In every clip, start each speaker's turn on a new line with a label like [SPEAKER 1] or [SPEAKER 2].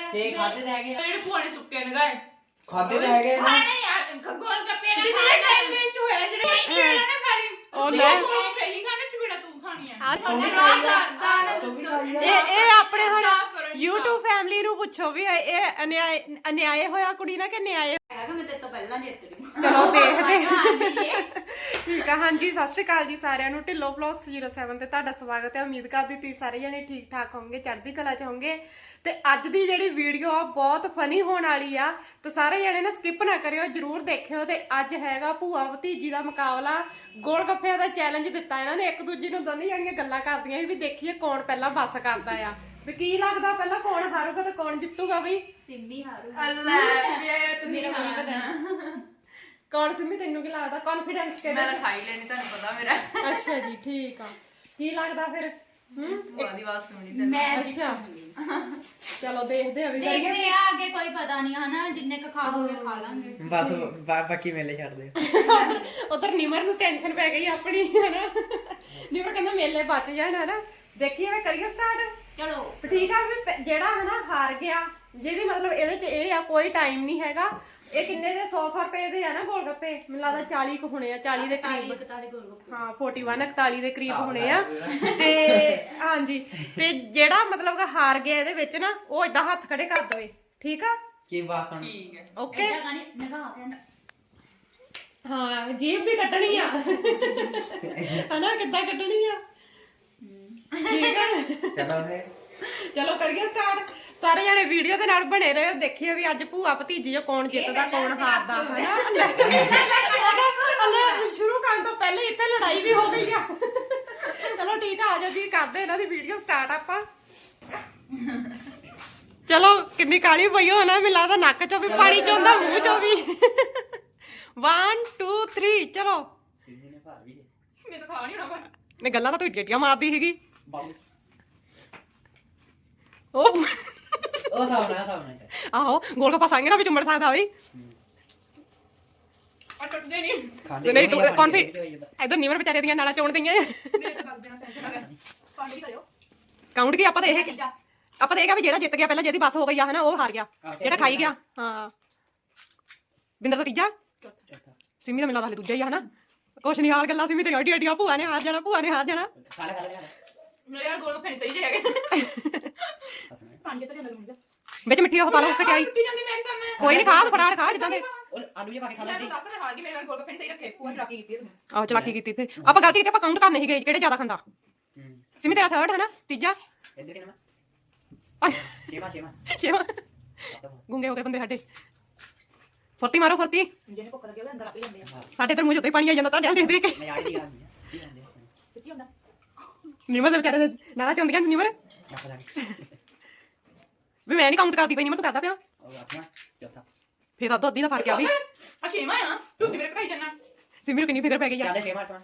[SPEAKER 1] ਤੇ ਖਾਦੇ ਤਾਂ ਹੈਗੇ
[SPEAKER 2] ਜਿਹੜੇ ਭੂਆ ਨੇ ਸੁੱਕੇ ਨਗਾਏ
[SPEAKER 1] ਖਾਦੇ ਤਾਂ ਹੈਗੇ ਨਾ
[SPEAKER 2] ਖਾਣੇ ਯਾਰ ਗੋਲ ਗੱਪੇ ਨਾ ਮੇਰਾ ਟਾਈਮ ਵੇਸਟ ਹੋਇਆ ਜਿਹੜੇ ਕਿਹੜਾ ਨਾ ਖਾ ਲਈ
[SPEAKER 3] ਉਹ ਲੈ
[SPEAKER 2] ਸਹੀ ਖਾਣੇ ਟਿਬੜਾ ਤੂੰ ਖਾਣੀ ਆ
[SPEAKER 1] ਤੂੰ ਵੀ ਖਾਈ ਆ
[SPEAKER 3] ਇਹ ਆਪਣੇ ਹੁਣ YouTube ਫੈਮਿਲੀ ਨੂੰ ਪੁੱਛੋ ਵੀ ਇਹ ਅਨਿਆਏ ਹੋਇਆ ਕੁੜੀ ਨਾ ਕਿ ਨਿਆਏ
[SPEAKER 2] ਮੈਂ ਤੇ ਤੋਂ ਪਹਿਲਾਂ ਜਿੱਤ ਗਈ
[SPEAKER 3] ਚਲੋ ਦੇਖਦੇ ਠੀਕ ਆ। ਹਾਂਜੀ ਸਤਿ ਸ਼੍ਰੀ ਅਕਾਲ ਜੀ ਸਾਰਿਆਂ ਨੂੰ। ਢਿੱਲੋਂ ਵਲੌਗਸ 07 ਤੇ ਤੁਹਾਡਾ ਸਵਾਗਤ ਹੈ। ਉਮੀਦ ਕਰਦੀ ਤੁਸੀਂ ਸਾਰੇ ਜਣੇ ਠੀਕ ਠਾਕ ਹੋਵੋਗੇ, ਚੜ੍ਹਦੀ ਕਲਾ ਚ ਹੋਵੋਗੇ। ਤੇ ਅੱਜ ਦੀ ਜਿਹੜੀ ਵੀਡੀਓ ਆ ਬਹੁਤ ਫਨੀ ਹੋਣ ਵਾਲੀ ਆ, ਤੇ ਸਾਰੇ ਜਣੇ ਨਾ ਸਕਿਪ ਨਾ ਕਰਿਓ, ਜਰੂਰ ਦੇਖਿਓ। ਤੇ ਅੱਜ ਹੈਗਾ ਭੂਆ ਭਤੀਜੀ ਦਾ ਮੁਕਾਬਲਾ। ਗੋਲ ਗੱਪਿਆਂ ਦਾ ਚੈਲੰਜ ਦਿੱਤਾ ਇਹਨਾਂ ਨੇ ਇੱਕ ਦੂਜੀ ਨੂੰ, ਦੋਨੇ ਜਣੀਆਂ ਗੱਲਾਂ ਕਰਦੀਆਂ ਵੀ ਦੇਖੀਏ ਕੌਣ ਪਹਿਲਾਂ ਬੱਸ ਕਰਦਾ ਆ। ਵੀ ਕੀ ਲੱਗਦਾ ਪਹਿਲਾਂ ਕੌਣ ਹਾਰੂਗਾ ਤੇ ਕੌਣ ਜਿੱਤੂਗਾ? ਬਈ
[SPEAKER 2] ਸਿੰਮੀ ਹਾਰੂ ਅੱਲਾ ਮੇਰਾ ਕੋਈ ਪਤਾ
[SPEAKER 3] ਕੌਣ? ਸਿੰਮੀ ਤੈਨੂੰ ਕੀ ਲੱਗਦਾ? ਕੌਨਫੀਡੈਂਸ ਕਿਹਦਾ?
[SPEAKER 2] ਮੈਂ ਖਾਈ ਲੈਣੀ ਤੁਹਾਨੂੰ ਪਤਾ ਮੇਰਾ
[SPEAKER 3] ਅੱਛਾ ਜੀ ਠੀਕ ਆ। ਕੀ ਲੱਗਦਾ ਫਿਰ?
[SPEAKER 2] ਭੂਆ ਦੀ ਆਵਾਜ਼ ਸੁਣੀ ਤੇ
[SPEAKER 4] ਮੈਂ
[SPEAKER 3] ਅੱਛਾ ਚਲੋ ਦੇਖਦੇ ਆ ਵੀ
[SPEAKER 4] ਦੇਖਦੇ ਆ ਅੱਗੇ, ਕੋਈ ਪਤਾ ਨਹੀਂ ਹਨਾ, ਜਿੰਨੇ ਕ ਖਾਓਗੇ ਖਾ ਲਾਂਗੇ।
[SPEAKER 1] ਬਸ ਬਾਕੀ ਮੇਲੇ ਛੱਡ ਦੇ।
[SPEAKER 3] ਉਧਰ ਨਿਮਰ ਨੂੰ ਟੈਨਸ਼ਨ ਪੈ ਗਈ ਆਪਣੀ ਹਨਾ। ਨਿਮਰ ਕਹਿੰਦਾ ਮੇਲੇ ਬਚ ਜਾਣ ਹਨਾ। ਦੇਖੀਏ ਵੇ ਕਰੀਏ ਸਟਾਰਟ।
[SPEAKER 4] ਚਲੋ
[SPEAKER 3] ਠੀਕ ਆ ਵੀ ਜਿਹੜਾ ਹਨਾ ਹਾਰ ਗਿਆ, ਜਿਹਦੀ ਮਤਲਬ ਇਹਦੇ ਚ ਇਹ ਆ ਕੋਈ ਟਾਈਮ ਨਹੀਂ ਹੈਗਾ। ਇਹ ਕਿੰਨੇ ਦੇ 100 ਰੁਪਏ ਦੇ ਆ ਨਾ ਗੋਲ ਗੱਪੇ? ਮੈਨੂੰ ਲੱਗਦਾ 40 ਕੁ ਹੋਣੇ ਆ, 40 ਦੇ ਕਰੀਬ।
[SPEAKER 4] 41 ਗੋਲ ਗੱਪੇ।
[SPEAKER 3] ਹਾਂ 41 41 ਦੇ ਕਰੀਬ ਹੋਣੇ ਆ। ਤੇ ਹਾਂਜੀ ਤੇ ਜਿਹੜਾ ਮਤਲਬ ਕਿ ਹਾਰ ਗਿਆ ਇਹਦੇ ਵਿੱਚ ਨਾ, ਉਹ ਏਦਾਂ ਹੱਥ ਖੜੇ ਕਰ ਦੇਵੇ। ਠੀਕ ਆ
[SPEAKER 1] ਕੀ ਬਾਤ ਹੁਣ?
[SPEAKER 2] ਠੀਕ ਹੈ
[SPEAKER 3] ਓਕੇ।
[SPEAKER 4] ਏਦਾਂ ਖਾਣੀ ਨਗਾ ਕੇ
[SPEAKER 3] ਹਾਂ ਜੀਭ ਵੀ ਕੱਢਣੀ ਆ ਹਨਾ, ਕਿੱਦਾਂ ਕੱਢਣੀ ਆ? ਠੀਕ ਆ
[SPEAKER 1] ਚਲੋ ਫੇ
[SPEAKER 3] ਚਲੋ ਕਰੀਏ ਸਟਾਰਟ। ਸਾਰੇ ਜਣੇ ਵੀਡੀਓ ਦੇ ਨਾਲ ਬਣੇ ਰਹੋ, ਦੇਖਿਓ ਵੀ ਅੱਜ ਭੂਆ ਭਤੀਜੀ ਜੋ ਕੌਣ ਜਿੱਤਦਾ ਕੌਣ ਹਾਰਦਾ ਹਨਾ। ਹਲੇ ਸ਼ੁਰੂ ਕਰਨ ਤੋਂ ਪਹਿਲੇ ਇੱਥੇ ਲੜਾਈ ਵੀ ਹੋ ਗਈ ਆ। ਚਲੋ ਠੀਕ ਆ, ਆਜੋ ਜੀ ਕਰਦੇ ਇਹਨਾਂ ਦੀ ਵੀਡੀਓ ਸਟਾਰਟ ਆਪਾਂ। ਚਲੋ ਕਿੰਨੀ ਕਾਲੀ ਪਈ ਹੋ ਨਾ, ਮੈਨੂੰ ਲੱਗਦਾ ਨੱਕ ਚੋਂ ਵੀ ਪਾਣੀ ਚੋਂਦਾ, ਮੂੰਹ ਚੋਂ ਵੀ। 1 2 3 ਚਲੋ।
[SPEAKER 1] ਸਿੰਮੀ ਨੇ ਭਾਰ ਵੀ
[SPEAKER 2] ਮੈਂ ਤਾਂ ਖਾ ਨਹੀਂ ਹੋਣਾ ਪਰ
[SPEAKER 3] ਨੇ ਗੱਲਾਂ ਤਾਂ ਤੂੰ ਡੇਟੀਆਂ ਮਾਰਦੀ ਸੀਗੀ।
[SPEAKER 1] ਬਾਬੂ
[SPEAKER 3] ਉਹ
[SPEAKER 1] ਸਾਹਮਣੇ
[SPEAKER 3] ਆਹੋ ਗੋਲ ਗੱਪਾ ਸੰਗ ਨਾ ਵੀ ਚੁੰਮੜ ਸਕਦਾ ਬਈ।
[SPEAKER 2] ਆ ਟੁੱਟਦੇ ਨਹੀਂ
[SPEAKER 1] ਖਾਂਦੇ
[SPEAKER 3] ਨਹੀਂ ਤੂੰ ਇਧਰ ਨਿਮਰ ਵਿਚਾਰੇ ਦੀਆਂ ਨਾਲਾਂ ਚੋਣ ਦਈਆਂ।
[SPEAKER 2] ਮੇਰੇ ਤਾਂ ਬੱਗ ਦੇਣਾ ਟੈਨਸ਼ਨ ਨਾ ਲੈ ਪਾਣੀ ਵੀ ਕਰਿਓ
[SPEAKER 3] ਕਾਊਂਟ ਕੀ ਆਪਾਂ ਤਾਂ ਇਹ ਕਿਹਾ ਵੀ ਜਿਹੜਾ ਜਿੱਤ ਗਿਆ ਪਹਿਲਾਂ, ਜਿਹਦੀ ਬੱਸ ਹੋ ਗਈ ਆ ਹਨਾ, ਉਹ ਹਾਰ ਗਿਆ। ਜਿਹੜਾ ਖਾਈ ਗਿਆ ਹਾਂ। ਬਿੰਦਰ ਦਾ ਤੀਜਾ, ਸਿੰਮੀ ਦਾ ਮੈਨੂੰ ਲੱਗਦਾ ਹਲੇ ਦੂਜਾ ਹੀ ਆ ਹਨਾ। ਕੁਛ ਨਹੀਂ ਹਾਲ ਗੱਲਾਂ ਸਿੰਮੀ ਤੇਰੀਆਂ ਏਡੀਆਂ ਭੂਆ ਨੇ ਹਾਰ ਜਾਣਾ, ਭੂਆ ਨੇ ਹਾਰ ਜਾਣਾ।
[SPEAKER 1] ਖਾ ਲੈ
[SPEAKER 2] ਮੇਰੇ ਯਾਰ ਗੋਲ ਗੱਪੇ ਨਹੀਂ ਸਹੀ ਜੇ ਹੈਗੇ ਪਾਣੀ ਕਿੱਥੇ ਜਾਂਦਾ ਲੂੰਗਾ
[SPEAKER 3] ਵਿੱਚ ਮਿੱਠੀ ਉਹ ਪਾ ਲਓ ਖਟਿਆਈ।
[SPEAKER 2] ਟੁੱਟੀ ਜਾਂਦੀ ਮੈਂ ਕੀ ਕਰਨਾ ਹੈ?
[SPEAKER 3] ਕੋਈ ਨਹੀਂ ਖਾ ਤੂੰ ਫਟਾਫਟ ਖਾ ਜਿੱਦਾਂ ਦੇ।
[SPEAKER 1] ਔਰ ਆਲੂ ਜੇ ਪਾ ਕੇ ਖਾ
[SPEAKER 2] ਮੈਂ
[SPEAKER 1] ਲੈਂਦੀ।
[SPEAKER 2] ਤਾਂ ਦੱਸ ਮੈਂ ਹਾਰ ਗਈ, ਮੇਰੇ ਯਾਰ ਗੋਲ ਗੱਪੇ ਨਹੀਂ ਸਹੀ ਰੱਖੇ ਭੂਆ ਚਲਾਕੀ ਕੀਤੀ ਹੈ
[SPEAKER 3] ਆਹ ਚਲਾਕੀ ਕੀਤੀ ਇੱਥੇ ਆਪਾਂ, ਗਲਤੀ ਕੀਤੀ ਆਪਾਂ, ਕਾਊਂਟ ਕਰਨੇ ਸੀਗੇ ਕਿਹੜੇ ਜ਼ਿਆਦਾ ਖਾਂਦਾ। ਸਿੰਮੀ ਤੇਰਾ ਥਰਡ ਹੈ ਨਾ, ਤੀਜਾ
[SPEAKER 1] ਇੱਧਰ ਕਿੰਨਾ? ਛੇਵਾਂ
[SPEAKER 3] ਛੇਵਾਂ। ਗੁੰਗੇ ਹੋ ਗਏ ਬੰਦੇ ਸਾਡੇ। ਫੁਰਤੀ ਮਾਰੋ ਫੁਰਤੀ।
[SPEAKER 2] ਜਿਹਨੇ ਭੁੱਖ ਲੱਗੀ ਉਹਦੇ ਅੰਦਰ ਆਪੇ ਜਾਂਦੇ ਆ
[SPEAKER 3] ਸਾਡੇ ਤੇ ਮੂੰਹ ਉੱਤੇ ਪਾਣੀ ਆ ਜਾਂਦਾ ਤਾਂ ਦੇਖ ਦੇਖ ਕੇ।
[SPEAKER 1] ਮੈਂ ਆੜੀ ਦੀ ਗੱਲ ਨਹੀਂ ਕੀ ਹੁੰਦੇ
[SPEAKER 2] ਸੱਚੀ ਹੁੰਦਾ
[SPEAKER 3] ਨਿਮਰ ਦੇ ਵਿਚਾਰੇ ਦੇ ਨਾਲਾ ਚੁੰਦੀਆਂ ਨਿਮਰ
[SPEAKER 1] ਨੱਕ ਲੱਗ
[SPEAKER 3] ਵੀ ਮੈਂ ਨਹੀਂ ਕਾਊਂਟ ਕਰਦੀ ਪਈ, ਨਿਮਰ ਤੂੰ ਕਰਦਾ ਪਿਆ।
[SPEAKER 1] ਉਹ ਆਪਣਾ ਚੌਥਾ
[SPEAKER 3] ਫੇਰ ਤਾਂ ਅੱਧੀ ਦਾ ਫਰਕ ਆ ਵੀ।
[SPEAKER 2] ਆ ਛੇਵਾਂ ਆ ਤੂੰ ਮੇਰੇ ਖਾਈ ਜਾਣਾ
[SPEAKER 3] ਸਿੰਮੀ ਨੂੰ ਕਿੰਨੀ ਫਿਕਰ ਪੈ ਗਈ ਆ।
[SPEAKER 1] ਚੱਲ ਛੇਵਾਂ ਆਪਣਾ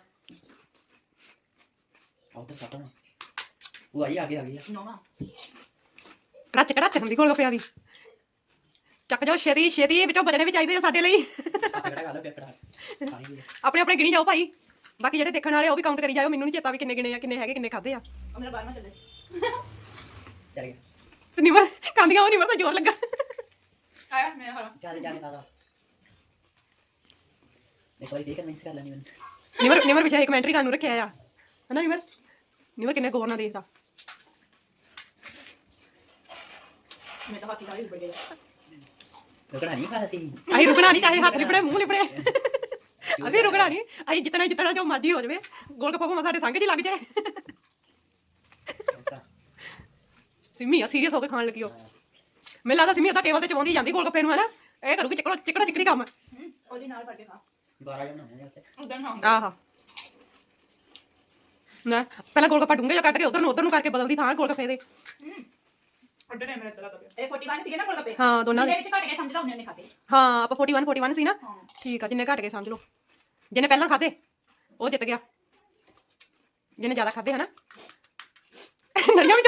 [SPEAKER 1] ਆਉਂ ਤਾਂ ਸੱਤਵਾਂ ਉਹ ਆਈ ਆ ਗਈ
[SPEAKER 2] ਨੌਵਾਂ
[SPEAKER 3] ਕੜਾਚ ਕੜਾਚ ਹੁੰਦੀ ਗੋਲ ਗੱਪਿਆਂ ਦੀ। ਚੱਕ ਜਾਓ ਛੇਤੀ ਛੇਤੀ, ਵਿੱਚੋਂ ਬਚਣੇ ਵੀ ਚਾਹੀਦੇ ਆ ਸਾਡੇ ਲਈ।
[SPEAKER 1] ਕਿਹੜਾ ਗੱਲ ਪੇਪਰ ਪਾਣੀ ਦੀ
[SPEAKER 3] ਆਪਣੇ ਆਪਣੇ ਗਿਣੀ ਜਾਓ ਭਾਈ, ਬਾਕੀ ਜਿਹੜੇ ਦੇਖਣ ਵਾਲੇ ਉਹ ਵੀ ਕਾਊਂਟ ਕਰੀ ਜਾਓ। ਮੈਨੂੰ ਨਹੀਂ ਚੇਤਾ ਵੀ ਕਿੰਨੇ ਗਿਣੇ ਆ, ਕਿੰਨੇ ਹੈਗੇ, ਕਿੰਨੇ ਖਾਦੇ ਆ।
[SPEAKER 2] ਉਹ ਮੇਰਾ 12ਵਾਂ ਚੱਲੇ
[SPEAKER 1] ਚੱਲ ਗਿਆ
[SPEAKER 3] ਤੇ ਨਿਮਰ ਕਾਂਦੀਆਂ, ਉਹ ਨਿਮਰ ਤਾਂ ਜ਼ੋਰ ਲੱਗਾ।
[SPEAKER 2] ਆਇਆ ਮੈਂ ਹਾਰਾ
[SPEAKER 1] ਚੱਲ ਜਾਣੇ ਪਾ ਦੇਖੋ ਇਹ ਕਨਵਿੰਸ ਕਰ ਲੈਣੀ ਮੈਨੂੰ।
[SPEAKER 3] ਨਿਮਰ ਵਿਸ਼ਾ ਇੱਕ ਕਮੈਂਟਰੀ ਕਰਨ ਨੂੰ ਰੱਖਿਆ ਆ ਹਨਾ। ਨਿਮਰ ਕਿੰਨੇ ਗੌਰ ਨਾਲ ਦੇਖਦਾ।
[SPEAKER 2] ਮੈਂ ਤਾਂ ਹਾਥੀ ਸਾਰੀ ਉੱਪਰ ਗਈ
[SPEAKER 1] ਰੁਕਣਾ ਨਹੀਂ ਪਾ ਸੀ
[SPEAKER 3] ਅਸੀਂ ਰੁਕਣਾ ਨਹੀਂ, ਚਾਹੇ ਹੱਥ ਲਿਪੜੇ ਮੂੰਹ ਲਿਪੜੇ, ਅਸੀਂ ਰੁਕਣਾ ਨਹੀਂ। ਅਸੀਂ ਜਿੱਤਣਾ ਜੋ ਮਰਜ਼ੀ ਹੋ ਜਾਵੇ। ਗੋਲ ਗੱਪਾ ਭਾਵੇਂ ਸਾਡੇ ਸੰਗ 'ਚ ਹੀ ਲੱਗ ਜਾਏ। ਸਿੰਮੀ ਆ ਸੀਰੀਅਸ ਹੋ ਕੇ ਖਾਣ ਲੱਗੀ ਉਹ। ਮੈਨੂੰ ਲੱਗਦਾ ਸਿੰਮੀ ਤਾਂ ਟੇਬਲ ਤੇ ਚਵਾਉਂਦੀ ਜਾਂਦੀ ਗੋਲ ਗੱਪੇ ਨੂੰ ਹਨਾ। ਇਹ ਕਰੂਗੀ ਚਿਕੜਾ ਚਿਕੜੀ ਕੰਮ।
[SPEAKER 2] ਉਹਦੇ ਨਾਲ ਫੜ ਕੇ ਖਾ
[SPEAKER 1] 12 ਜਣ ਹੁੰਦੇ ਨੇ ਉੱਤੇ
[SPEAKER 2] ਉਦੋਂ ਖਾਂ
[SPEAKER 3] ਆਹਾ ਨਾ ਪਹਿਲਾਂ ਗੋਲ ਗੱਪਾ ਡੂੰਘੇ ਜਿਹਾ ਕੱਟ ਕੇ ਉਧਰ ਨੂੰ ਕਰਕੇ ਬਦਲਦੀ ਥਾਂ ਗੋਲ ਗੱਪੇ ਦੇ।
[SPEAKER 2] ਅੱਡੇ ਟਾਈਮ ਰੱਖ ਲਾ ਤਾ ਇਹ 41 ਸੀਗੇ ਨਾ ਗੋਲ ਗੱਪੇ
[SPEAKER 3] ਹਾਂ ਦੋਨਾਂ ਦੇ
[SPEAKER 2] ਇਹਦੇ ਵਿੱਚ ਘਟ ਕੇ ਸਮਝਦਾ ਉਹਨੇ ਖਾਤੇ
[SPEAKER 3] ਹਾਂ। ਆਪਾਂ 41 ਸੀ ਨਾ।
[SPEAKER 2] ਹਾਂ
[SPEAKER 3] ਠੀਕ ਆ, ਜਿੰਨੇ ਘਟ ਗਏ ਸਮਝ ਲਓ। ਜਿਹਨੇ ਪਹਿਲਾਂ ਖਾਦੇ ਉਹ ਜਿੱਤ ਗਿਆ, ਜਿਹਨੇ ਜ਼ਿਆਦਾ ਖਾਦੇ ਹਨਾ। ਨੜੀਆਂ ਵੀ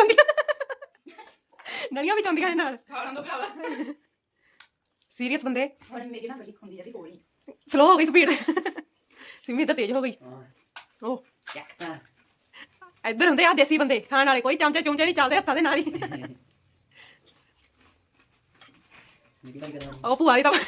[SPEAKER 3] ਚਾਹੁੰਦੀਆਂ ਨਾਲ।
[SPEAKER 2] ਖਾਣ ਤੋਂ ਪਿਆਵਾ
[SPEAKER 3] ਸੀਰੀਅਸ ਬੰਦੇ।
[SPEAKER 2] ਹੁਣ ਮੇਰੀ ਨਾ ਬੜੀ ਖੁੰਦੀ ਜਾਂਦੀ ਹੋਈ
[SPEAKER 3] ਸਲੋ ਹੋ ਗਈ ਸਪੀਡ। ਸਿੰਮੀ ਤਾਂ ਤੇਜ਼ ਹੋ ਗਈ।
[SPEAKER 1] ਹਾਂ
[SPEAKER 3] ਉਹ
[SPEAKER 1] ਚੱਕ ਤਾਂ
[SPEAKER 3] ਇੱਧਰ ਹੁੰਦੇ ਆ ਦੇਸੀ ਬੰਦੇ ਖਾਣ ਵਾਲੇ, ਕੋਈ ਚਮਚੇ ਚੁੰਚੇ ਨਹੀਂ ਚੱਲਦੇ ਹੱਥਾਂ ਦੇ ਨਾਲ ਹੀ।
[SPEAKER 1] ਨਿੱਕੀ ਭਾਈ ਕਰਾਂ
[SPEAKER 3] ਉਹ ਭੂਆ ਦੀ ਤਾਂ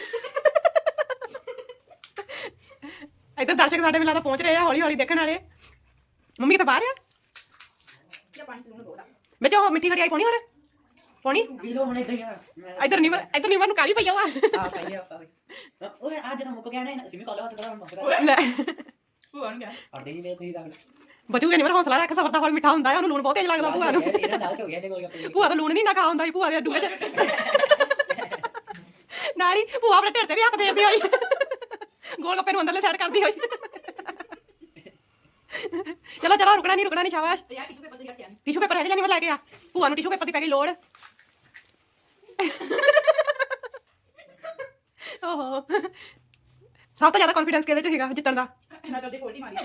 [SPEAKER 3] ਇੱਧਰ ਦਰਸ਼ਕ ਸਾਡੇ ਮਿਲਾ ਤਾਂ ਪਹੁੰਚ ਰਹੇ ਆ ਹੌਲੀ ਹੌਲੀ ਦੇਖਣ ਵਾਲੇ। ਮੰਮੀ ਕਿਤੇ ਬਾਹਰ ਆ
[SPEAKER 2] ਜਾਂ ਪਾਣੀ ਚ ਬੋਲਾ
[SPEAKER 3] ਵਿੱਚ ਉਹ ਮਿੱਠੀ ਖੜਿਆਈ ਪਾਉਣੀ ਹੋਰ ਪਾਉਣੀ
[SPEAKER 1] ਪੀ ਲੋ ਹੁਣ ਇਦਾਂ ਹੀ
[SPEAKER 3] ਇੱਧਰ ਨਹੀਂ ਨੂੰ ਕਾਲੀ ਪਈ ਆ
[SPEAKER 1] ਆ ਪਾਈ ਆ ਪਾਈ ਓਏ ਆ ਜਿਹੜਾ ਮੁੱਕ ਗਿਆ ਨਾ ਸਿਮੀ ਕਾਲਾ ਹੱਥ ਕਰਾ ਮੁੱਕ ਗਿਆ
[SPEAKER 3] ਲੈ
[SPEAKER 2] ਭੂਆ ਨੂੰ ਕਿਹਾ
[SPEAKER 1] ਅੜਦੇ ਨਹੀਂ ਵੇ ਤੁਸੀਂ ਤਾਂ
[SPEAKER 3] ਬਚੂਗੇ ਨਹੀਂ ਹੌਸਲਾ ਰੱਖ ਸਬਰ ਦਾ ਫਲ ਮਿੱਠਾ ਹੁੰਦਾ ਹੈ ਉਹਨੂੰ ਲੂਣ ਬਹੁਤ ਤੇਜ਼ ਲੱਗਦਾ ਭੂਆ ਨੂੰ
[SPEAKER 1] ਇਹਦਾ ਲਾਲਚ ਹੋ ਗਿਆ ਇਹਦੇ ਕੋਲ ਗੱਪੇ
[SPEAKER 3] ਭੂਆ ਤਾਂ ਲੂਣ ਨਹੀਂ ਨਾ ਖਾ ਹੁੰਦਾ ਸੀ ਭੂਆ ਦੇ ਡੂਏ ਚ ਨਾਲੀ ਭੂਆ ਆਪਣੇ ਢਿੱਡ ਤੇ ਵੀ ਹੱਥ ਫੇਰਦੀ ਹੋਈ ਗੋਲ ਗੱਪੇ ਨੂੰ ਅੰਦਰਲੇ ਸਾਈਡ ਕਰਦੀ ਹੋਈ। ਚਲੋ ਚਲੋ ਰੁਕਣਾ ਨਹੀਂ ਸ਼ਾਬਾਸ਼।
[SPEAKER 2] ਯਾਰ ਟਿਸ਼ੂ ਪੇਪਰ ਤੇ ਰੱਖਿਆ ਨਹੀਂ
[SPEAKER 3] ਟਿਸ਼ੂ ਪੇਪਰ ਹੈਗੇ ਜਾਂ ਨਹੀਂ ਮੈਂ ਲੈ ਕੇ ਆ ਭੂਆ ਨੂੰ ਟਿਸ਼ੂ ਪੇਪਰ ਦੀ ਪੈ ਗਈ ਲੋੜ। ਓਹੋ ਸਭ ਤੋਂ ਜ਼ਿਆਦਾ ਕੌਨਫੀਡੈਂਸ ਕਿਹਦੇ ਚ ਸੀਗਾ ਜਿੱਤਣ ਦਾ?
[SPEAKER 2] ਮੈਂ ਤਾਂ ਉਹਦੇ ਫੋਲਟੀ ਮਾਰੀ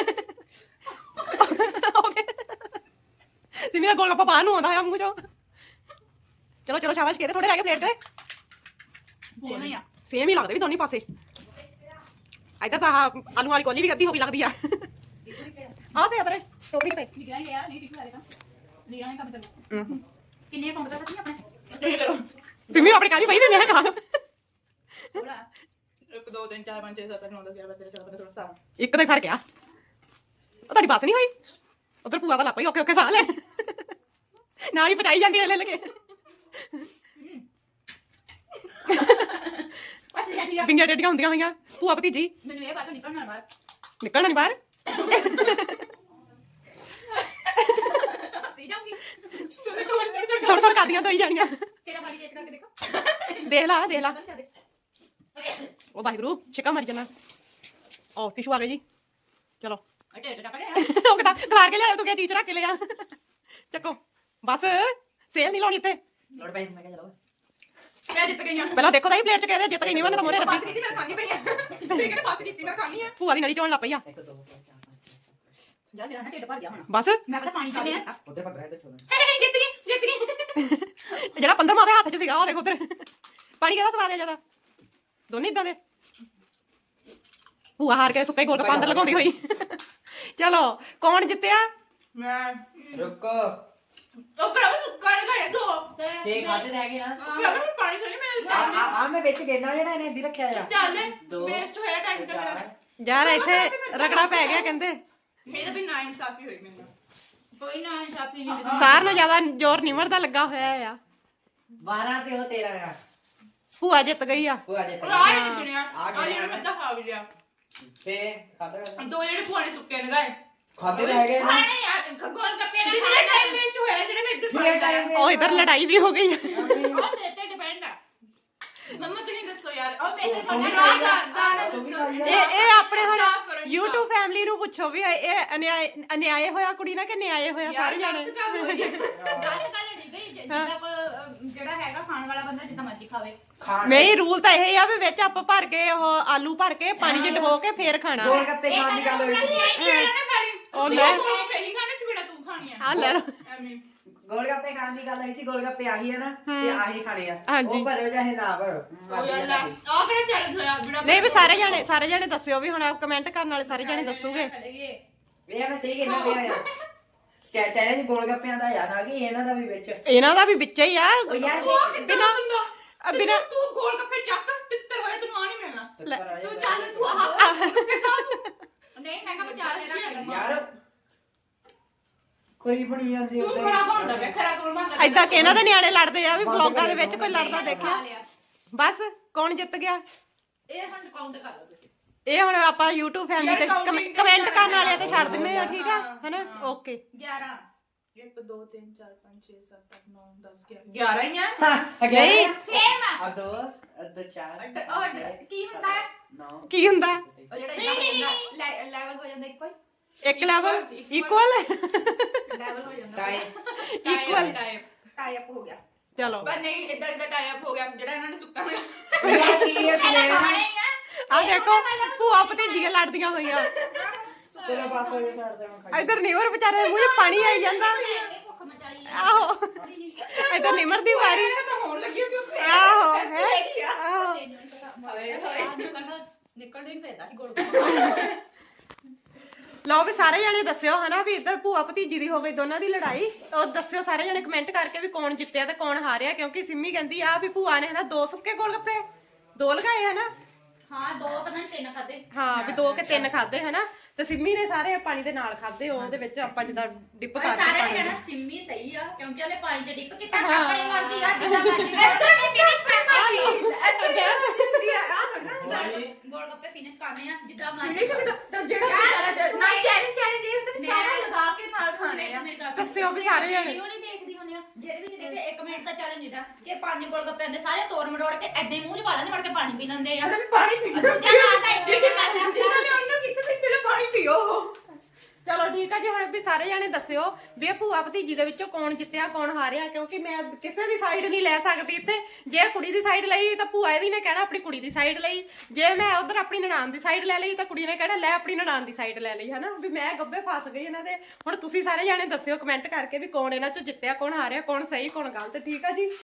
[SPEAKER 3] ਸਿਮੀ ਦਾ ਗੋਲ ਗੱਪਾ ਬਾਹਰ ਨੂੰ ਆਉਂਦਾ ਆ ਮੂੰਹ ਚੋਂ। ਚਲੋ ਚਲੋ ਸ਼ਾਬਾਸ਼ ਕਿਹਦੇ ਥੋੜੇ ਰਹਿ ਗਏ ਪਲੇਟ ਤੇ?
[SPEAKER 2] ਉਹ ਨਹੀਂ ਆ
[SPEAKER 3] ਸੇਮ ਹੀ ਲੱਗਦੇ ਵੀ ਦੋਨੇ ਪਾਸੇ। ਇੱਧਰ ਤਾਂ ਆਹ ਆਲੂ ਵਾਲੀ ਕੋਲੀ ਵੀ ਅੱਧੀ ਹੋ ਗਈ ਲੱਗਦੀ ਆ। ਆਹ ਤੇ ਆਪਣੇ ਟੋਕਰੀ ਤੇ
[SPEAKER 2] ਲਿਖਿਆ ਹੀ ਆ ਨਹੀਂ ਟਿਸ਼ੂ ਆਏਗਾ ਲਿਆ ਨਹੀਂ ਕੰਮ ਚੱਲ
[SPEAKER 3] ਹੂੰ
[SPEAKER 2] ਕਿੰਨੇ ਕਾਊਂਟ ਦਾ ਸੱਚੀ ਆਪਣੇ ਤੇ ਕਰੋ
[SPEAKER 3] ਸਿਮੀ ਆਪਣੀ ਕਾਲੀ ਪਈ ਵੀ ਮੈਂ ਖਾ ਲਵਾਂ।
[SPEAKER 2] ਥੋੜਾ 1 2 3 4 5 6 7 8 9 10 11 12 13 14 15 16
[SPEAKER 3] ਇੱਕ ਤੇ ਫਰਕ ਆ ਉਹ ਤੁਹਾਡੀ ਬਾਤ ਨਹੀਂ ਹੋਈ ਉਧਰ ਭੂਆ ਦਾ ਲੱਪਾ ਹੀ ਓਕੇ ਸਾਹ ਲੈ ਨਾਲ ਹੀ ਪਚਾਈ ਜਾਂਦੀ ਲੈ ਲਗੇ
[SPEAKER 2] ਬਸ ਯਾਰ ਠੀਕ ਆ
[SPEAKER 3] ਬਿੰਗੀਆਂ ਡੇਡੀਆਂ ਹੁੰਦੀਆਂ ਹੋਈਆਂ ਭੂਆ ਭਤੀਜੀ
[SPEAKER 2] ਮੈਨੂੰ ਇਹ ਬਾਤ ਨਿਕਲਣਾ ਬਾਹਰ
[SPEAKER 3] ਨਿਕਲਣਾ ਨਹੀਂ ਬਾਹਰ।
[SPEAKER 2] ਸੀ ਜਾਊਂਗੀ ਥੋੜੀ
[SPEAKER 3] ਸੁਣ ਸੁਣ ਕਰਦੀਆਂ ਦੋਈ ਜਾਣੀਆਂ।
[SPEAKER 2] ਤੇਰਾ ਬਾਡੀ ਟੈਸਟ ਕਰਕੇ ਦੇਖੋ
[SPEAKER 3] ਦੇਖ ਲਾ ਦੇਖ ਲਾ
[SPEAKER 2] ਬੰਦ ਕਰ ਦੇ
[SPEAKER 3] ਉਹ ਵਾਹਿਗੁਰੂ ਛਿੱਕਾ ਮਾਰੀ ਜਾਣਾ। ਉਹ ਟਿਸ਼ੂ ਆ ਗਏ ਜੀ ਚਲੋ
[SPEAKER 2] ਅਟੇ ਟੱਕ ਲਿਆ
[SPEAKER 3] ਉਹ ਕਹਿੰਦਾ ਖਲਾਰ ਕੇ ਲਿਆ ਤੂੰ ਕਿਹਾ ਚੀਜ਼ ਰੱਖ ਕੇ ਲਿਆ ਚੱਕੋ ਬਸ ਸੇਲ ਨਹੀਂ ਲਾਉਣੀ ਇੱਥੇ।
[SPEAKER 1] ਲੋੜ ਪਈ ਮੈਂ ਕਿਹਾ ਚਲੋ
[SPEAKER 2] ਮੈਂ ਜਿੱਤ ਗਈ ਹਾਂ
[SPEAKER 3] ਪਹਿਲਾਂ ਦੇਖੋ ਤਾਂ ਹੀ ਪਲੇਟ ਚ ਕਹਿੰਦੇ ਜਿੱਤ ਗਈ ਨਹੀਂ ਉਹਨੇ ਤਾਂ ਮੋਰੇ
[SPEAKER 2] ਪਾਸ
[SPEAKER 3] ਰੱਖੀ।
[SPEAKER 2] ਕੀਤੀ ਮੈਂ ਖਾਣੀ ਪਈ ਆ ਠੀਕ ਹੈ ਪਾਸ ਕੀਤੀ ਮੈਂ ਖਾਣੀ ਆ
[SPEAKER 3] ਭੂਆ ਦੀ ਨਲੀ ਚੋਣ ਲੱਗ ਪਈ ਆ
[SPEAKER 1] 1 2 3 4
[SPEAKER 2] ਯਾਰ ਮੇਰਾ ਨਾ ਢਿੱਡ ਭਰ ਗਿਆ ਹੁਣ
[SPEAKER 3] ਬਸ
[SPEAKER 2] ਮੈਂ ਪਤਾ ਪਾਣੀ ਚੱਲੇ ਨਾ
[SPEAKER 1] ਉਧਰ ਪੱਕ ਰਿਹਾ ਤੇ ਛੋੜ
[SPEAKER 2] ਜਿੱਤ ਗਈ
[SPEAKER 3] ਜਿਹੜਾ 15ਵਾਂ ਦੇ ਹੱਥ 'ਚ ਸੀਗਾ ਉਹ ਦੇਖੋ ਉਧਰ ਪਾਣੀ ਕਿਹਦਾ ਸਵਾਦ ਆ ਜਿਆਦਾ ਦੋਨੇ ਇਦਾਂ ਦੇ। ਭੂਆ ਹਾਰ ਕੇ ਸੁੱਕੇ ਗੋਲ ਗੱਪਾ ਅੰਦਰ ਲਗਾਉਂਦੀ ਹੋਈ। ਚਲੋ ਕੌਣ ਜਿੱਤਿਆ?
[SPEAKER 2] ਮੈਂ
[SPEAKER 1] ਰੁਕੋ
[SPEAKER 2] ਉਹ ਭਰਾਵਾ ਸੁੱਕਾ ਨਹੀਂ ਖਾਇਆ ਦੋ
[SPEAKER 1] ਤੇ ਖਾਦੇ ਰਹਿ ਗਏ ਨਾ
[SPEAKER 2] ਭਰਾਵਾ ਮੈਂ ਪਾਣੀ ਥੋੜੀ ਮੈਂ
[SPEAKER 1] ਆ ਮੈਂ ਵਿੱਚ ਗੇਨਾ ਜਿਹੜਾ ਇਹਨੇ ਇੱਦੀ ਰੱਖਿਆ ਆ
[SPEAKER 2] ਚੱਲ
[SPEAKER 1] ਦੋ,
[SPEAKER 2] ਵੇਸਟ ਹੋਇਆ ਟਾਈਮ ਤੇ ਮੇਰਾ
[SPEAKER 3] ਯਾਰ ਇੱਥੇ ਰਗੜਾ ਪੈ ਗਿਆ ਕਹਿੰਦੇ
[SPEAKER 2] ਮੇਰੇ ਤਾਂ ਵੀ ਨਾ ਇਨਸਾਫੀ ਹੋਈ ਮੈਨੂੰ ਕੋਈ ਨਾ ਇਨਸਾਫੀ ਨਹੀਂ
[SPEAKER 3] ਸਾਰ ਨੂੰ ਜ਼ਿਆਦਾ ਜ਼ੋਰ ਨਿਮਰ ਦਾ ਲੱਗਾ ਹੋਇਆ ਆ।
[SPEAKER 1] 12 ਤੇ ਉਹ 13 ਆ
[SPEAKER 3] ਭੂਆ ਜਿੱਤ ਗਈ ਆ।
[SPEAKER 1] ਉਹ ਆ ਜੇ
[SPEAKER 2] ਆ ਇਹ ਸੁਣਿਆ ਆ ਜਿਹੜਾ ਮੈਂ ਤਾਂ ਖਾ ਵੀ ਲਿਆ
[SPEAKER 1] ਤੇ ਖਾਦਾ
[SPEAKER 2] ਦੋ ਜਿਹੜੇ ਪੁਆਣੇ ਸੁੱਕੇ ਨੇ ਗਏ
[SPEAKER 1] ਖਾਦੇ ਰਹਿ ਗਏ ਨਾ
[SPEAKER 2] ਖਾਣੇ ਯਾਰ ਗੋਲ ਗੱਪੇ ਨਾ ਮੇਰਾ ਟਾਈਮ ਵੇਸਟ ਹੋਇਆ ਜਿਹੜੇ ਮੈਂ ਇੱਧਰ
[SPEAKER 1] ਮੇਰੇ ਟਾਈਮ
[SPEAKER 3] ਉਹ ਇਧਰ ਲੜਾਈ ਵੀ ਹੋ ਗਈ ਆ।
[SPEAKER 2] ਉਹ ਮੇਰੇ ਤੇ ਡਿਪੈਂਡ ਆ ਮੰਮਾ ਤੁਸੀਂ ਦੱਸੋ ਯਾਰ ਉਹ ਮੇਰੇ
[SPEAKER 1] ਤੂੰ ਵੀ
[SPEAKER 2] ਕੋਲ
[SPEAKER 1] ਖਾਈ ਤੂੰ ਵੀ ਖਾਈ ਆ।
[SPEAKER 3] ਇਹ ਆਪਣੇ ਹੁਣ
[SPEAKER 2] ਸਾਫ਼ ਕਰੋ ਜੀ,
[SPEAKER 3] YouTube ਫੈਮਿਲੀ ਨੂੰ ਪੁੱਛੋ ਵੀ ਇਹ ਅਨਿਆਏ ਹੋਇਆ ਕੁੜੀ ਨਾਲ ਕਿ ਨਿਆਏ ਹੋਇਆ ਸਾਰੇ ਜਾਣੇ।
[SPEAKER 2] ਗੱਲ ਨਹੀਂ ਬਈ ਜਿੱਦਾਂ ਜਿਹੜਾ ਹੈਗਾ ਖਾਣ ਵਾਲਾ ਬੰਦਾ ਜਿੱਦਾਂ ਮਰਜ਼ੀ ਖਾਵੇ
[SPEAKER 1] ਖਾਣ
[SPEAKER 3] ਨਹੀਂ ਰੂਲ ਤਾਂ ਇਹ ਆ ਵੀ ਵਿੱਚ ਆਪਾਂ ਭਰ ਕੇ ਉਹ ਆਲੂ ਭਰ ਕੇ ਪਾਣੀ 'ਚ ਡਬੋ ਕੇ ਫੇਰ ਖਾਣਾ।
[SPEAKER 1] ਗੋਲ ਗੱਪੇ ਖਾਣ ਦੀ ਗੱਲ ਹੋਈ ਸੀ
[SPEAKER 3] ਉਹ ਲੈ
[SPEAKER 2] ਕਹੀ ਖਾਣਾ ਕਿ ਬੇੜਾ ਤੂੰ ਖਾਣੀ ਆ
[SPEAKER 3] ਆ ਲੈ ਲਓ।
[SPEAKER 2] ਐਵੇਂ
[SPEAKER 1] ਗੋਲ ਗੱਪੇ ਖਾਣ ਦੀ ਗੱਲ ਹੋਈ ਸੀ ਗੋਲ ਗੱਪੇ ਆਹੀ ਆ ਨਾ ਤੇ ਆਹੀ ਖਾਣੇ ਆ
[SPEAKER 3] ਹਾਂਜੀ।
[SPEAKER 1] ਉਹ ਭਰਿਓ ਚਾਹੇ ਨਾ ਭਰੋ
[SPEAKER 2] ਉਹ ਯਾਰ ਆ ਕਿਹੜਾ ਚੈਲੰਜ ਹੋਇਆ ਬਿਨਾ
[SPEAKER 3] ਨਹੀਂ ਵੀ ਸਾਰੇ ਜਾਣੇ ਦੱਸਿਓ ਵੀ ਹੁਣ ਕਮੈਂਟ ਕਰਨ ਵਾਲੇ ਸਾਰੇ ਜਾਣੇ ਦੱਸੂਗੇ।
[SPEAKER 1] ਇਹ ਮੈਂ ਸਹੀ ਕਹਿੰਦਾ ਪਿਆ ਆ ਚੈਲੰਜ ਗੋਲ ਗੱਪਿਆਂ ਦਾ ਯਾਦ ਆ ਗਈ ਇਹਨਾਂ ਦਾ ਵੀ ਵਿੱਚ
[SPEAKER 3] ਇਹਨਾਂ ਦਾ ਵੀ ਵਿੱਚ ਹੀ ਆ
[SPEAKER 1] ਉਹ ਯਾਰ
[SPEAKER 2] ਉਹ ਕਿੰਨਾ ਬੰਦਾ
[SPEAKER 3] ਬਿਨਾਂ
[SPEAKER 2] ਤੂੰ ਗੋਲ ਗੱਪੇ ਚੱਕ ਤਿੱਤਰ ਹੋਇਆ ਤੈਨੂੰ ਆ ਨਹੀਂ ਮਿਲਣਾ ਤੂੰ ਚੱਲ ਤੂੰ ਆਹ ਨਹੀਂ ਮੈਂ ਕਹਾਂ ਚੱਲ ਇਹਦਾ
[SPEAKER 1] ਯਾਰ ਕੋਈ ਬਣੀ ਜਾਂਦੀ
[SPEAKER 2] ਤੂੰ ਖਰਾਬ ਹੁੰਦਾ ਵੇ ਖਰਾਬ ਕੋਲ ਬੰਦਾ
[SPEAKER 3] ਐਦਾਂ ਕਿ ਇਹਨਾਂ ਦੇ ਨਿਆਣੇ ਲੜਦੇ ਆ ਵੀ ਵਲੌਗਾਂ ਦੇ ਵਿੱਚ ਕੋਈ ਲੜਦਾ ਦੇਖਿਆ। ਬਸ ਕੌਣ ਜਿੱਤ ਗਿਆ?
[SPEAKER 2] ਇਹ ਹੁਣ ਕਾਊਂਟ ਕਰ ਲਓ ਤੁਸੀਂ
[SPEAKER 3] ਇਹ ਹੁਣ ਆਪਾਂ YouTube ਫੈਮਿਲੀ ਤੇ ਕਮੈਂਟ ਕਰਨ ਵਾਲਿਆਂ ਤੇ ਛੱਡ ਦਿੰਨੇ ਆ ਠੀਕ ਆ ਹੈਨਾ ਓਕੇ
[SPEAKER 2] 11 1 2 3 4 5 6 7 8 9 10 11 ਹੀ ਆ
[SPEAKER 3] ਨਹੀਂ
[SPEAKER 2] ਸੇਮ ਆ
[SPEAKER 1] ਅਦੋ ਅਦੋ ਚਾਰ
[SPEAKER 2] ਕੀ ਹੁੰਦਾ ਹੈ
[SPEAKER 1] 9
[SPEAKER 3] ਕੀ ਹੁੰਦਾ
[SPEAKER 2] ਉਹ ਜਿਹੜਾ ਲੈਵਲ ਹੋ ਜਾਂਦਾ ਇੱਕੋ ਹੀ
[SPEAKER 3] ਇੱਕ ਲੈਵਲ ਇਕੁਅਲ
[SPEAKER 2] ਲੈਵਲ ਹੋ ਜਾਂਦਾ
[SPEAKER 1] ਟਾਈਮ
[SPEAKER 3] ਇਕੁਅਲ
[SPEAKER 2] ਟਾਈ ਅਪ ਹੋ ਗਿਆ
[SPEAKER 3] ਚਲੋ
[SPEAKER 2] ਪਰ ਨਹੀਂ ਇਦਾਂ ਟਾਈ ਅਪ ਹੋ ਗਿਆ ਜਿਹੜਾ ਇਹਨਾਂ ਨੇ ਸੁੱਕਾ ਮਿਲਿਆ
[SPEAKER 1] ਯਾਰ ਕੀ ਹੈ ਸੁਣੇ
[SPEAKER 3] ਆ ਦੇਖੋ ਭੂਆ ਭਤੀਜੀਆਂ ਲੜਦੀਆਂ ਹੋਈਆਂ।
[SPEAKER 1] ਤੇਰਾ ਪਾਸ ਹੋ ਜਾ ਛੱਡ ਦੇ ਮੈਂ ਖਾਈ
[SPEAKER 3] ਇਧਰ ਨਿਮਰ ਵਿਚਾਰੇ ਦੇ ਮੂੰਹ 'ਚ ਪਾਣੀ ਆਈ ਜਾਂਦਾ।
[SPEAKER 2] ਭੁੱਖ ਮਚਾਈ
[SPEAKER 3] ਆਹੋ ਇਧਰ ਨਿਮਰ ਦੀ ਵਾਰੀ
[SPEAKER 2] ਤਾਂ ਹੋਣ ਲੱਗੀ ਸੀ ਉੱਥੇ
[SPEAKER 3] ਆਹੋ ਹੈ ਆਹੋ
[SPEAKER 2] ਹਾਏ ਹਾਏ ਨਿਕਲ ਨਹੀਂ ਫੇਰਦਾ ਸੀ ਗੋਲ
[SPEAKER 3] ਲਓ ਵੀ ਸਾਰੇ ਜਣੇ ਦੱਸਿਓ ਹਨਾ ਵੀ ਇੱਧਰ ਭੂਆ ਭਤੀਜੀ ਦੀ ਹੋਵੇ ਦੋਨਾਂ ਦੀ ਲੜਾਈ। ਉਹ ਦੱਸਿਓ ਸਾਰੇ ਜਣੇ ਕਮੈਂਟ ਕਰਕੇ ਵੀ ਕੌਣ ਜਿੱਤਿਆ ਤੇ ਕੌਣ ਹਾਰਿਆ, ਕਿਉਂਕਿ ਸਿੰਮੀ ਕਹਿੰਦੀ ਆ ਵੀ ਭੂਆ ਨੇ ਹਨਾ 2 ਸੁੱਕੇ ਗੋਲਗੱਪੇ 2 ਲਗਾਏ ਹਨਾ।
[SPEAKER 4] ਹਾਂ 2 ਪਤਾ ਨਹੀਂ 3 ਖਾਦੇ।
[SPEAKER 3] ਹਾਂ ਵੀ 2 ਕੇ 3 ਖਾਦੇ ਹਨਾ, ਤੇ ਸਿੰਮੀ ਨੇ ਸਾਰੇ ਪਾਣੀ ਦੇ ਨਾਲ ਖਾਦੇ। ਉਹਦੇ ਵਿੱਚ ਆਪਾਂ ਜਿੱਦਾਂ ਡਿਪ ਕਰਕੇ
[SPEAKER 4] ਸਾਰੇ ਨੇ
[SPEAKER 3] ਪਾਣੀ
[SPEAKER 4] ਕਹਿਣਾ ਸਿੰਮੀ ਸਹੀ ਆ ਕਿਉਂਕਿ ਉਹਨੇ ਪਾਣੀ 'ਚ ਡਿਪ ਕੀਤਾ। ਆਪਣੀ ਮਰਜ਼ੀ ਆ ਜਿੱਦਾਂ ਮਰਜ਼ੀ ਫਿਨਿਸ਼ ਗੋਲ ਗੱਪੇ ਫਿਨਿਸ਼ ਕਰਨੇ ਆ ਜਿੱਦਾਂ ਮਰਜ਼ੀ।
[SPEAKER 2] ਜਿਹੜਾ ਨਾ ਚੈਲੰਜ ਤੇ ਸਾਰਾ ਲਗਾ ਕੇ ਨਾਲ ਖਾਣੇ ਆ।
[SPEAKER 3] ਦੱਸਿਓ ਵੀ ਸਾਰੇ ਜਣੇ।
[SPEAKER 4] ਵੀਡੀਓ ਨਹੀਂ ਦੇਖਦੀ ਹੁੰਦੀ ਆ ਜਿਹਦੇ ਵਿੱਚ ਦੇਖੇ 1 ਮਿੰਟ ਦਾ ਚੈਲੰਜ ਹੁੰਦਾ ਕਿ 5 ਗੋਲ ਗੱਪੇ ਆਂਦੇ ਸਾਰੇ ਤੋੜ ਮਰੋੜ ਕੇ ਐਦਾਂ ਹੀ ਮੂੰਹ 'ਚ ਪਾ ਲੈਂਦੇ, ਵੜ ਕੇ ਪਾਣੀ ਪੀ ਲੈਂਦੇ ਆ।
[SPEAKER 2] ਪਾਣੀ ਪੀ
[SPEAKER 4] ਦੂਜਾ ਨਾ ਤਾਂ ਇੱਥੇ ਹੀ ਕਰਦਾ
[SPEAKER 2] ਜਿਨ੍ਹਾਂ ਨੇ ਉਹਨੂੰ ਪੀਤਾ ਸੀ ਪਹਿਲਾਂ ਪਾਣੀ ਪੀਓ।
[SPEAKER 3] ਚਲੋ ਠੀਕ ਆ ਜੀ, ਹੁਣ ਵੀ ਸਾਰੇ ਜਾਣੇ ਦੱਸਿਓ ਵੀ ਇਹ ਭੂਆ ਭਤੀਜੀ ਦੇ ਵਿੱਚੋਂ ਕੌਣ ਜਿੱਤਿਆ ਕੌਣ ਹਾਰਿਆ, ਕਿਉਂਕਿ ਮੈਂ ਕਿਸੇ ਦੀ ਸਾਈਡ ਨਹੀਂ ਲੈ ਸਕਦੀ ਇੱਥੇ। ਜੇ ਕੁੜੀ ਦੀ ਸਾਈਡ ਲਈ ਤਾਂ ਭੂਆ ਇਹਦੀ ਨੇ ਕਹਿਣਾ ਆਪਣੀ ਕੁੜੀ ਦੀ ਸਾਈਡ ਲਈ, ਜੇ ਮੈਂ ਉਧਰ ਆਪਣੀ ਨਨਾਣ ਦੀ ਸਾਈਡ ਲੈ ਲਈ ਤਾਂ ਕੁੜੀ ਨੇ ਕਹਿਣਾ ਲੈ ਆਪਣੀ ਨਨਾਣ ਦੀ ਸਾਈਡ ਲੈ ਲਈ ਹਨਾ, ਵੀ ਮੈਂ ਗੱਬੇ ਫਸ ਗਈ ਇਹਨਾਂ ਦੇ। ਹੁਣ ਤੁਸੀਂ ਸਾਰੇ ਜਾਣੇ ਦੱਸਿਓ ਕਮੈਂਟ ਕਰਕੇ ਵੀ ਕੌਣ ਇਹਨਾਂ ਚੋਂ ਜਿੱਤਿਆ ਕੌਣ ਹਾਰਿਆ, ਕੌਣ ਸਹੀ ਕੌਣ ਗਲਤ। ਠੀਕ ਆ ਜੀ।